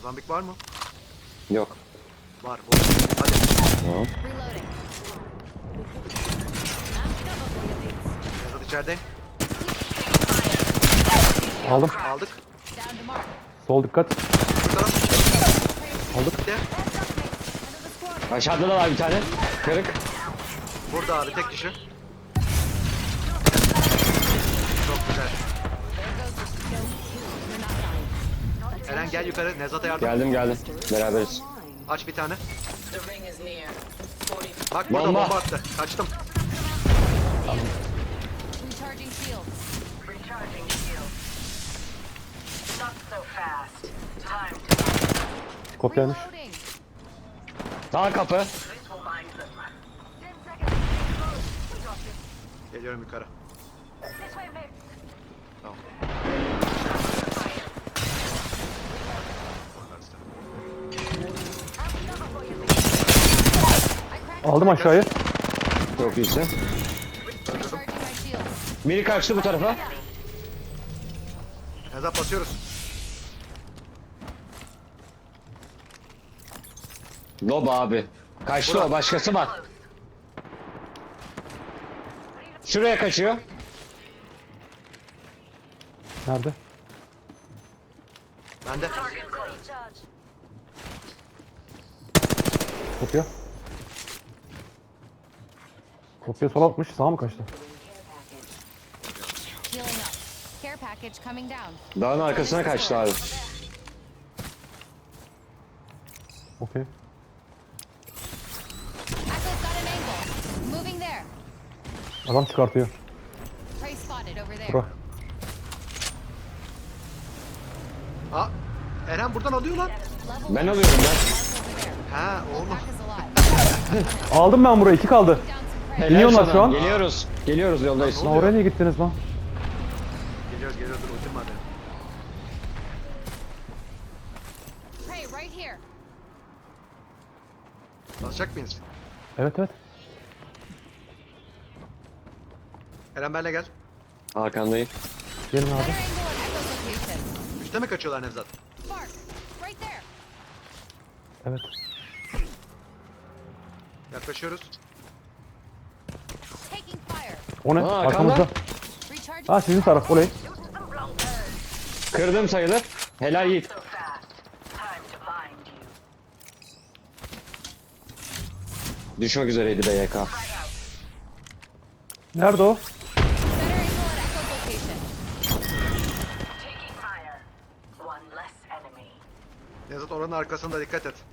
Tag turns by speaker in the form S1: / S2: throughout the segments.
S1: Zambik var mı?
S2: Yok.
S1: Var. Hadi.
S2: Tamam.
S3: Reloading.
S1: Nevzat içeride.
S4: Aldım.
S1: Aldık.
S3: Down to mark.
S4: Sol dikkat.
S1: Bu taraf.
S4: Aldık.
S1: Gitti.
S2: Aşağıda da var bir tane. Kırık.
S1: Burada abi tek kişi. Çok güzel. Eren gel yukarı. Nevzat'a yardım.
S2: Geldim. Beraberiz.
S1: Aç bir tane.
S5: The ring is near. 40.
S1: Bak burada
S2: Bomba.
S1: bomba attı. Kaçtım.
S3: Recharging shields.
S5: Recharging shield. Not so fast. Time to
S4: Kopyaymış.
S3: Reloading.
S2: Sağ kapı.
S5: this will bind them.
S1: Geliyorum yukarı. Tamam.
S4: Aldım aşağıyı.
S2: Çok iyisin.
S3: Recharging my shields.
S2: Biri kaçtı bu tarafa.
S1: Nevzat basıyoruz.
S2: Lob abi. Kaçtı o. Başkası var. Şuraya kaçıyor.
S4: Nerede?
S1: Bende.
S4: Kopya. Kopya sola atmış. Sağa mı kaçtı?
S3: Healing up. Care package coming down.
S2: Dağın arkasına kaçtı abi.
S4: Okey.
S3: Echo's got an angle. Moving there.
S4: Adam çıkartıyor.
S3: Prey spotted over there.
S4: Bura.
S1: Aa, Eren buradan alıyor lan.
S3: Level
S2: Ben
S3: one.
S2: alıyorum ben.
S3: Over there.
S1: Ha oğlum.
S3: Pack is alive.
S4: Aldım ben burayı. 2 kaldı.
S3: Down some prey.
S2: Helal
S4: İniyorlar
S2: sana.
S4: şu an.
S2: Geliyoruz yoldayız.
S4: Lan oraya niye gittiniz lan?
S1: Geliyoruz dur ultim var benim.
S3: Prey right here.
S1: Basacak mıyız?
S4: Evet.
S1: Eren benle gel.
S2: Arkandayım.
S4: Gelin abi.
S3: Better angle at Echo's location.
S1: Üste mi kaçıyorlar Nevzat?
S3: Mark. Right there.
S4: Evet.
S1: Yaklaşıyoruz.
S3: Taking fire.
S4: O ne?
S2: Aa,
S4: Arkamızda.
S3: Recharging.
S4: Ha sizin taraf. Olay.
S2: Kırdım sayılır. Helal Yiğit.
S5: so fast. Time to bind you.
S2: Düşmek üzereydi BYK.
S4: Nerede o?
S3: Better angle at Echo's location.
S5: Taking fire. One less enemy.
S1: Nevzat oranın arkasında dikkat et.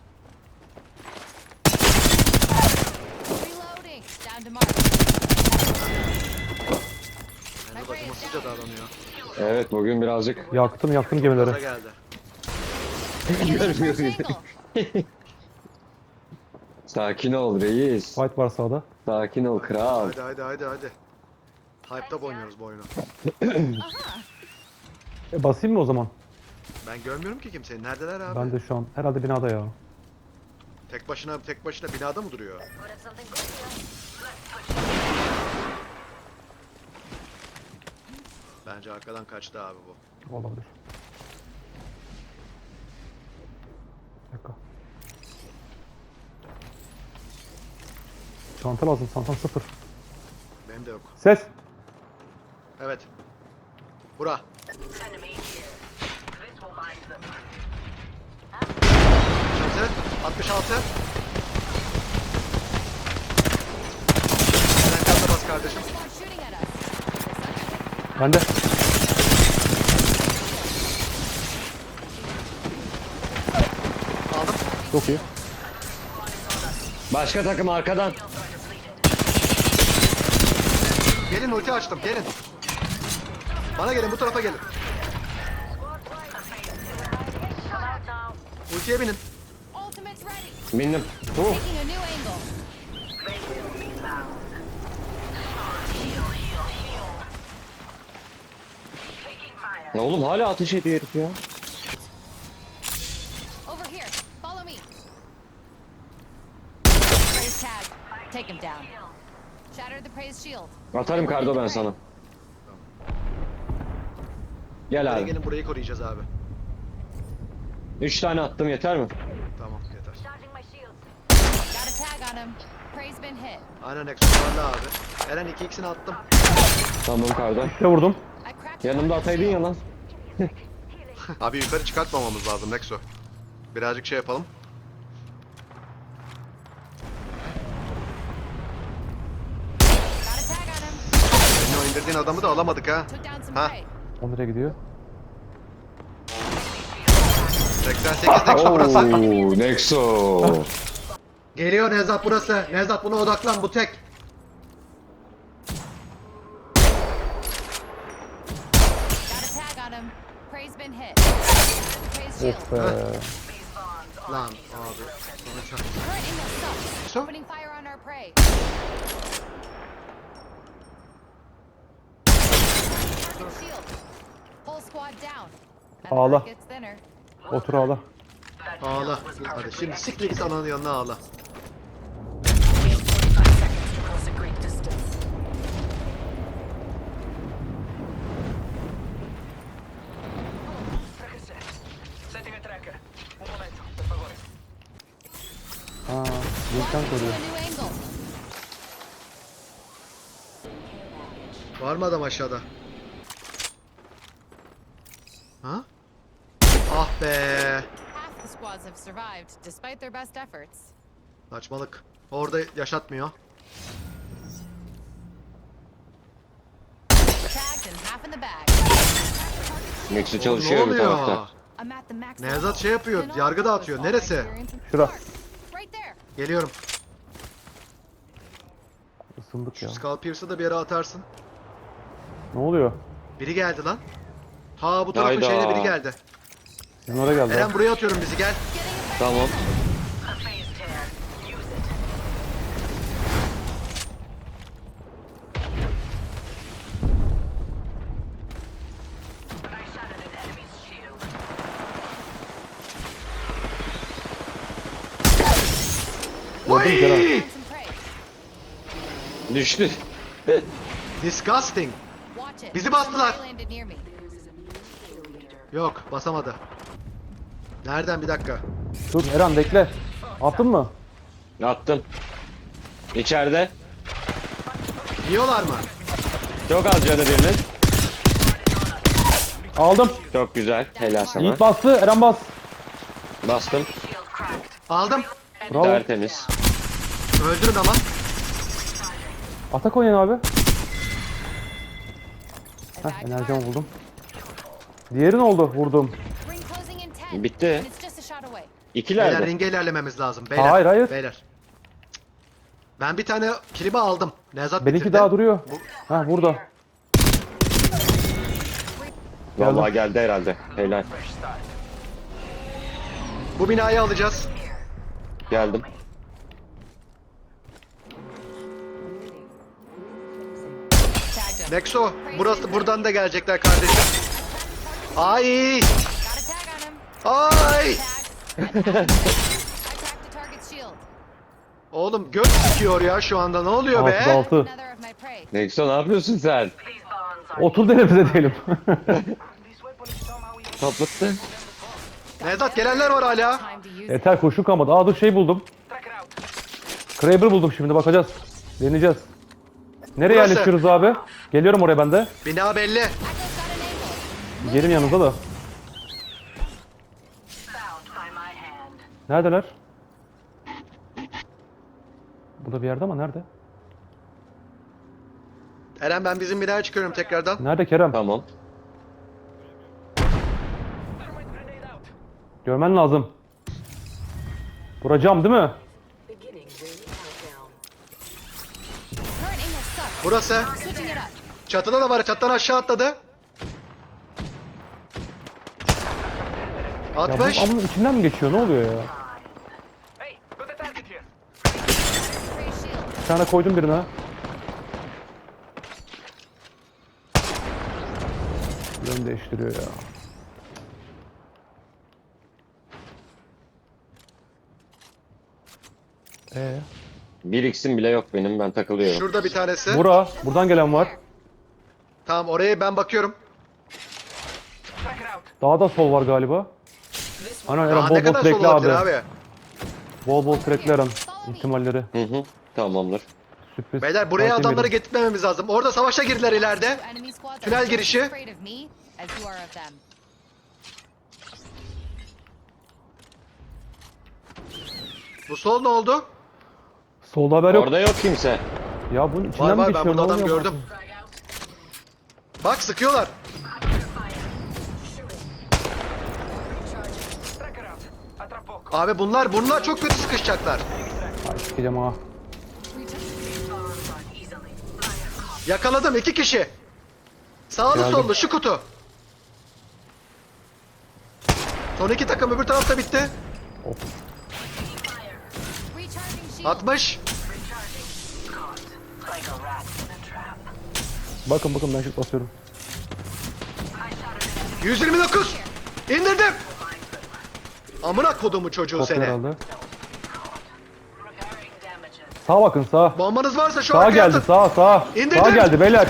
S3: Reloading. Down to mark.
S1: Nevzat acımasızca davranıyor.
S2: Evet bugün birazcık
S4: Yaktım
S1: Gaza
S4: gemileri.
S1: geldi.
S3: Enemy first angle.
S2: sakin ol reis.
S4: Fight var sağda.
S2: Sakin ol kral.
S1: Hadi. Hype'da oynuyoruz bu oyunu.
S4: Basayım mı o zaman?
S1: Ben görmüyorum ki kimseyi. Neredeler abi?
S4: Ben de şu an. Herhalde binada ya.
S1: Tek başına binada mı duruyor? Bence arkadan kaçtı abi bu.
S4: Olabilir. Bir dakika. Çanta lazım. Çantam 0.
S1: Benim de yok.
S4: Ses.
S1: Evet. Bura.
S5: Enemy here. This will bind them.
S1: 66. Sen kanda bas kardeşim.
S3: Squad shooting at us.
S4: Bende.
S1: Aldım.
S4: Çok iyi.
S2: Başka takım arkadan.
S1: Gelin ulti açtım gelin. Bana gelin bu tarafa gelin. Ultiye binin.
S3: Ultimate's ready.
S2: Bindim.
S3: Taking a new angle.
S2: Ya oğlum hala ateş ediyor herif ya.
S3: Over here. Follow me. Prey's tag. Take him down. Shatter the Prey's shield.
S2: Atarım kardo ben sana. Gel
S1: Hadi
S2: abi.
S1: gelin burayı koruyacağız abi.
S2: 3 tane attım yeter mi?
S1: Tamam yeter.
S5: Charging my shields.
S3: Got a tag on him. Prey's been hit.
S1: Aynen Nexus vardı abi. Eren 2x'ini attım.
S2: Tamam kardan.
S4: Ne vurdum?
S3: I cracked
S2: Yanımda ataydın ya lan.
S1: Abi yukarı çıkartmamamız lazım Nexo. Birazcık şey yapalım.
S3: Got a tag on him.
S1: Senin o indirdiğin adamı da alamadık ha.
S3: Took down some
S1: Ha.
S3: prey.
S4: O nereye gidiyor?
S1: 88 Nexo burası.
S2: Oo, Nexo.
S1: Geliyor Nevzat burası. Nevzat buna odaklan bu tek.
S3: Got a tag on him. Prey's been hit. Prey's shield.
S4: Of be.
S1: Lan abi. Sonra çak.
S3: Current inlet sucks.
S1: So?
S3: Opening fire on our prey. Target shield. Whole squad down. And the
S4: Ağla.
S3: herd gets thinner.
S4: Otur ağla.
S1: Ağla. Hadi şimdi siktir git ananın yanına ağla.
S5: 45 seconds to cross a great distance. Setting a tracker. Un momento, per favore.
S4: Ha, linkten
S3: Walking to
S4: koruyor.
S3: a new angle.
S1: Var mı adam aşağıda? Ha? Ah be.
S3: Half the squads have survived, despite their best efforts.
S1: Saçmalık. Orada yaşatmıyor.
S3: Tagged and half in the bag.
S2: Nexo
S1: Ne
S2: çalışıyor bu
S1: oluyor?
S2: tarafta.
S3: I'm at the max
S1: Nevzat
S3: level.
S1: şey yapıyor.
S3: And
S1: Yargı
S3: all
S1: dağıtıyor.
S3: those all my
S1: Neresi?
S3: experience and
S4: Şura.
S3: support. Right there.
S1: Geliyorum.
S4: Isındık ya.
S1: Şu Skullpierce'ı da bir yere atarsın.
S4: Ne oluyor?
S1: Biri geldi lan. Ha bu tarafın
S2: Hayda.
S1: şeyine biri geldi.
S4: Sizin oraya geldi.
S1: Eren buraya atıyorum bizi gel.
S2: Tamam.
S5: A phase tear. Use it. I shattered an enemy's shield.
S4: Gördün mü Kerem?
S3: Found some prey.
S2: Düştü.
S1: Disgusting.
S3: Watch it.
S1: Bizi bastılar.
S3: Prey landed near me.
S1: Yok basamadı. Nereden bir dakika.
S4: Dur Eren bekle. Attın mı?
S2: Attım. İçeride.
S1: Yiyorlar mı?
S2: Çok az canı birinin.
S4: Aldım.
S2: Çok güzel. Helal sana.
S4: Yiğit bastı. Eren bas.
S2: Bastım.
S5: Shield cracked.
S1: Aldım.
S4: Bravo.
S2: Tertemiz.
S1: Öldürün ama.
S4: Atak oynayın abi.
S3: I
S4: Heh,
S3: bagged
S4: enerjimi
S3: hard.
S4: buldum. Diğeri ne oldu? Vurdum.
S3: Ring closing in 10.
S2: Bitti.
S3: And it's just a shot away.
S1: Beyler
S2: İkilerde.
S1: ringe ilerlememiz lazım. Beyler.
S4: Hayır, hayır.
S1: Beyler. Ben bir tane kilimi aldım. Nevzat
S4: Benimki
S1: bitirdi.
S4: daha duruyor. Ha burada.
S2: Vallahi geldi herhalde. Helal.
S1: Bu binayı alacağız.
S2: Geldim.
S3: Tagged him.
S1: Nexo burası buradan da gelecekler kardeşim. Ay!
S3: Got a tag on him.
S1: Ay!
S3: Tag. I tagged the target's shield.
S1: Oğlum göt sikiyor ya şu anda. Ne oluyor be?
S4: 6'da 6.
S3: Another of my prey.
S2: Nexo ne yapıyorsun sen?
S5: These bonds are
S4: Otur denemize diyelim.
S2: Toplattı.
S1: Nevzat gelenler var hala.
S3: Time to use it.
S4: Yeter koşu kalmadı. Aa dur şey buldum. Kraber buldum şimdi bakacağız. Deneyeceğiz. Nereye
S1: Burası.
S4: yerleşiyoruz abi? Geliyorum oraya ben de.
S1: Bina belli.
S3: Echo's got an angle.
S4: Gelin yanınıza da.
S5: found by my hand.
S4: Neredeler? Burada bir yerde ama nerede?
S1: Eren ben bizim binaya çıkıyorum tekrardan.
S4: Nerede Kerem?
S2: Tamam.
S4: Görmen lazım. Vuracağım değil mi?
S3: Current inlet sucks.
S1: Burası.
S3: Switching it up.
S1: Çatıda da var. Çatıdan aşağı atladı.
S4: Ya bu
S1: 60.
S4: amının içinden mi geçiyor? Ne oluyor ya?
S3: Prey shield.
S4: Bir tane koydum birine. Yön değiştiriyor ya.
S2: Bir x'im bile yok benim. Ben takılıyorum.
S1: Şurada bir tanesi.
S4: Buradan gelen var.
S1: Tamam oraya ben bakıyorum.
S4: Daha da sol var galiba. Ana
S1: Daha
S4: Eren
S1: ne
S4: bol bol
S1: kadar sol
S4: crackli
S1: olabilir
S4: abi.
S1: abi?
S4: Bol bol crackli Eren. İhtimalleri.
S2: Hı hı. Tamamdır.
S4: Sürpriz.
S1: Beyler buraya
S4: Fark
S1: adamları
S4: yemeyelim.
S1: getirtmememiz lazım. Orada savaşa girdiler ileride.
S3: Enemy squads are
S1: Tünel
S3: just as
S1: girişi.
S3: afraid of me as you are of them.
S1: Bu sol ne oldu?
S4: Solda haber yok.
S2: Orada yok kimse.
S4: Ya bunun içinden
S1: Var
S4: mi
S1: var, ben
S4: geçiyor?
S1: burada
S4: Ne
S1: adam
S4: oluyor
S1: gördüm.
S4: bu?
S1: Bak sıkıyorlar.
S5: Tracker out. A tra poco.
S1: Abi bunlar çok kötü sıkışacaklar.
S4: Ay sikeceğim ha.
S1: Yakaladım 2 kişi. Sağlı
S4: Geldim.
S1: sollu şu kutu. Son 2 takım öbür tarafta bitti.
S3: Recharging shield.
S1: 60.
S4: Bakın ben şut basıyorum.
S1: 129. İndirdim. Amına kodumu çocuğu
S4: Kopya
S1: seni.
S4: herhalde. Sağa bakın sağa.
S1: Bombanız varsa şu
S4: Sağa
S1: arkaya
S4: geldi
S1: atın.
S4: sağa.
S1: İndirdim.
S4: Sağa geldi beyler.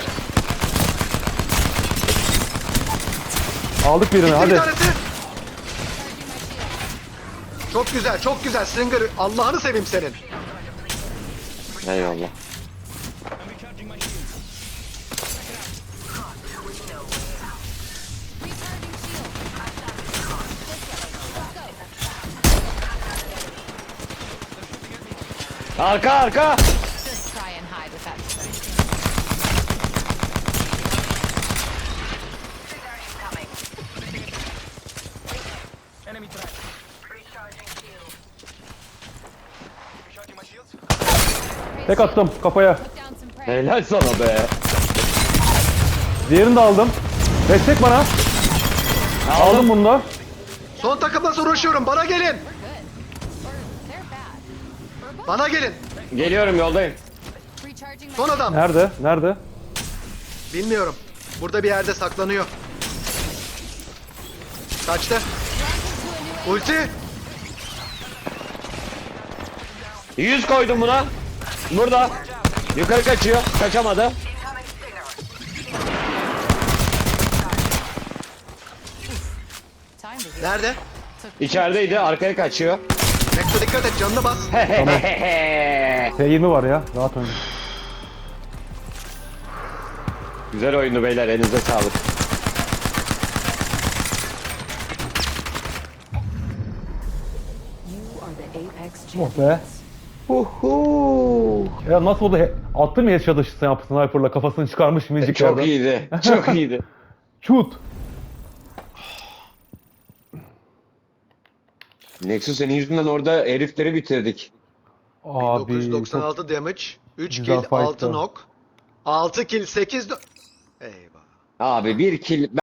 S4: Aldık birini
S1: Bir
S4: hadi.
S1: tanesi.
S3: Recharging my shield.
S1: Çok güzel çok güzel Stringer. Allah'ını seveyim senin.
S2: Eyvallah.
S3: Recharging shield. Let's go.
S2: Arka.
S3: Just try and hide with that strength.
S5: Enemy track. Recharging my shields.
S4: Tek attım kafaya.
S3: Put down some prey.
S2: Helal sana be.
S4: Diğerini de aldım. Destek bana. Aldım bunu da.
S1: Son takımla uğraşıyorum. Bana gelin.
S3: We're good. Or they're bad. We're both.
S1: Bana gelin.
S2: Geliyorum yoldayım.
S3: Recharging my
S1: Son adam.
S4: Nerede? Nerede?
S1: Bilmiyorum. Burada bir yerde saklanıyor. Kaçtı.
S3: Launching to a new
S1: Ulti.
S2: 100 koydum buna. Burada. Yukarı kaçıyor. Kaçamadı.
S3: time to heal.
S1: Nerede?
S2: İçerideydi. Arkaya kaçıyor.
S1: Nekto dikkat et canını bas.
S4: T20 var ya. Rahat oyna.
S2: Güzel oyundu beyler. Elinize sağlık.
S4: Oh be. Ya nasıl oldu? Attın mı headshot'ı sniper'la kafasını çıkarmış minicik
S2: Çok
S4: yerden.
S2: iyiydi. Çok iyiydi.
S4: Shoot.
S2: Nexus senin yüzünden orada herifleri bitirdik.
S4: Abi
S1: 996 damage. 3
S4: güzel
S1: kill, 6
S4: fight'tı.
S1: knock. 6 kill, 8 Eyvah.
S2: Abi bir kill